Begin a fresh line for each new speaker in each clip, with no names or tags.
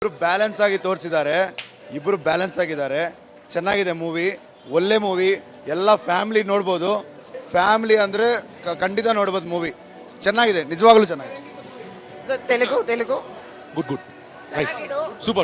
ಇಬ್ರು ಬ್ಯಾಲೆನ್ಸ್ ಆಗಿ ತೋರಿಸಿದ್ದಾರೆ. ಇಬ್ರು ಬ್ಯಾಲೆನ್ಸ್ ಆಗಿದ್ದಾರೆ. ಚೆನ್ನಾಗಿದೆ ಮೂವಿ, ಒಳ್ಳೆ ಮೂವಿ. ಎಲ್ಲ ಫ್ಯಾಮಿಲಿ ನೋಡ್ಬೋದು. ಫ್ಯಾಮಿಲಿ ಅಂದರೆ ಖಂಡಿತ ನೋಡ್ಬೋದು ಮೂವಿ. ಚೆನ್ನಾಗಿದೆ, ನಿಜವಾಗ್ಲೂ ಚೆನ್ನಾಗಿದೆ.
Telugu
good nice super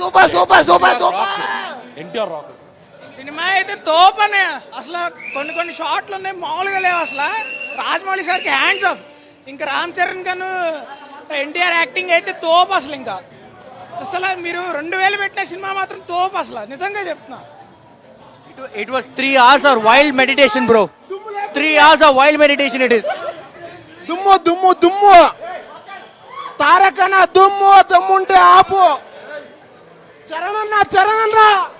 NTR rock
cinema అయితే తోపనే. అసలు కొన్ని షాట్లు ఉన్నాయి, మామూలుగా లేవు. అసలు రాజమౌళి సార్కి హ్యాండ్స్ ఆఫ్. ఇంకా రామ్ చరణ్ గాను ఎన్టీఆర్ యాక్టింగ్ అయితే తోపు. అసలు ఇంకా అసలు మీరు 2000 పెట్టిన సినిమా మాత్రం తోపు. అసలు నిజంగా చెప్తున్నా.
It was 3 hours of wild meditation, bro. 3 hours of wild meditation it is.
దుమ్ము తారకన దమ్ముంటే ఆపు. ಚರಣನ್ನ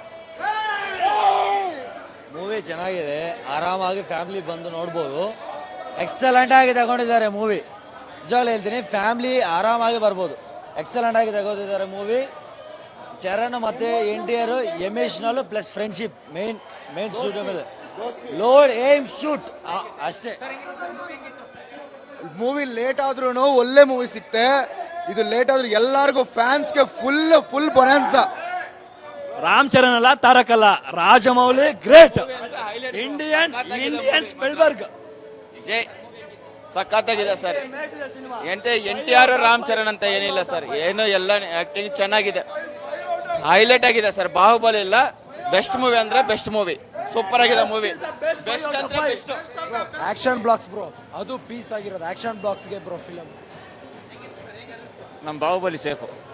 ಮೂವಿ ಚೆನ್ನಾಗಿದೆ, ಆರಾಮಾಗಿ ಫ್ಯಾಮಿಲಿ ಬಂದು ನೋಡ್ಬೋದು. ಎಕ್ಸಲೆಂಟ್ ಆಗಿ ತಗೊಂಡಿದ್ದಾರೆ ಮೂವಿ. ನಿಜವಾಗ್ಲೂ ಹೇಳ್ತೀನಿ, ಫ್ಯಾಮಿಲಿ ಆರಾಮಾಗಿ ಬರ್ಬೋದು. ಎಕ್ಸಲೆಂಟ್ ಆಗಿ ತಗೋತಿದ್ದಾರೆ ಮೂವಿ. ಚರಣ್ ಮತ್ತೆ NTR emotional plus friendship main shoot ಮೇಲೆ ಲೋಡ್ ಏಮ್ ಶೂಟ್ ಅಷ್ಟೇ.
ಮೂವಿ ಲೇಟ್ ಆದ್ರೂ ಒಳ್ಳೆ ಮೂವಿ ಸಿಕ್ತೆ. ಇದು ಲೇಟ್ ಆದ್ರೂ ಎಲ್ಲರಿಗೂ ಫ್ಯಾನ್ಸ್ಗೆ ಫುಲ್ ಬೊನಾನ್ಸಾ.
ರಾಮ್ ಚರಣ್ ಅಲ್ಲ, ತಾರಕ್ ಅಲ್ಲ, ರಾಜಮೌಳಿ ಗ್ರೇಟ್. ಇಂಡಿಯನ್ ಸ್ಪಿಲ್ಬರ್ಗ್
ಜೈ ಸಖತ್ತಾಗಿದೆ ಸರ್. NTR ರಾಮ್ ಚರಣ್ ಅಂತ ಏನಿಲ್ಲ ಸರ್, ಏನು ಎಲ್ಲ ಆಕ್ಟಿಂಗ್ ಚೆನ್ನಾಗಿದೆ, ಹೈಲೈಟ್ ಆಗಿದೆ ಸರ್. ಬಾಹುಬಲಿ ಇಲ್ಲ, ಬೆಸ್ಟ್ ಮೂವಿ ಅಂದ್ರೆ ಬೆಸ್ಟ್ ಮೂವಿ. ಸೂಪರ್ ಆಗಿದೆ ಮೂವಿ. ಬೆಸ್ಟ್ ಅಂದ್ರೆ ಬೆಸ್ಟ್.
ಆಕ್ಷನ್ ಬ್ಲಾಕ್ಸ್ ಬ್ರೋ, ಅದು ಪೀಸ್ ಆಗಿರೋದು ಆಕ್ಷನ್ ಬ್ಲಾಕ್ಸ್ಗೆ ಬ್ರೋ ಫಿಲಮ್.
ನಮ್ಮ ಬಾಹುಬಲಿ ಸೇಫು.